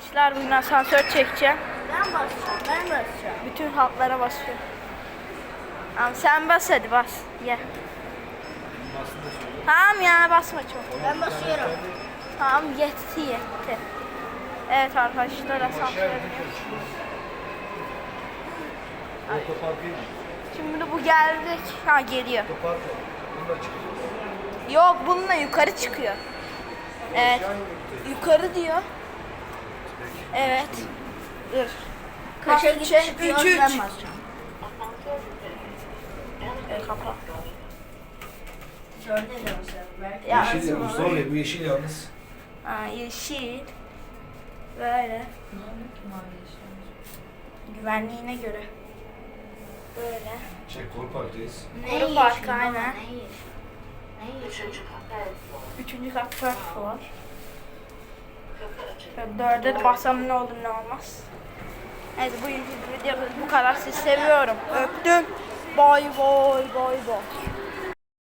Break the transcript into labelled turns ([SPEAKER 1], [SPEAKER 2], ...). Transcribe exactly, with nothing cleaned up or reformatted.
[SPEAKER 1] arkadaşlar. Bugün asansör çekeceğim.
[SPEAKER 2] Ben basacağım, ben basacağım.
[SPEAKER 1] Bütün hatlara basıyorum. Tamam sen bas hadi bas. Ye. Tamam ya basma çok.
[SPEAKER 2] Ben basıyorum.
[SPEAKER 1] Tamam yetti yetti. Evet arkadaşlar asansör. Şimdi bu geldik. Ha geliyor. Yok bununla yukarı çıkıyor. Evet. Yukarı diyor. Evet. Dur.
[SPEAKER 2] Kaça
[SPEAKER 1] Kaç-
[SPEAKER 2] çıkıyor,
[SPEAKER 1] üç, üç.
[SPEAKER 2] ben basacağım.
[SPEAKER 1] Evet, kapa.
[SPEAKER 2] Dörde de basıyorum. Belki.
[SPEAKER 1] Ya,
[SPEAKER 3] Yeşil yalnız. Zor ya bu yeşil yalnız.
[SPEAKER 1] Ha, yeşil. Böyle. Güvenliğine göre. Böyle.
[SPEAKER 3] Şey Koru Park'tayız.
[SPEAKER 2] Ne
[SPEAKER 1] Koru Parkı, aynen.
[SPEAKER 2] Üçüncü
[SPEAKER 1] Üçüncü kat first floor. Şöyle dörde de bassam ne olur ne olmaz. Evet bu videomuz bu kadar. Sizi seviyorum. Öptüm. Boy boy boy boy.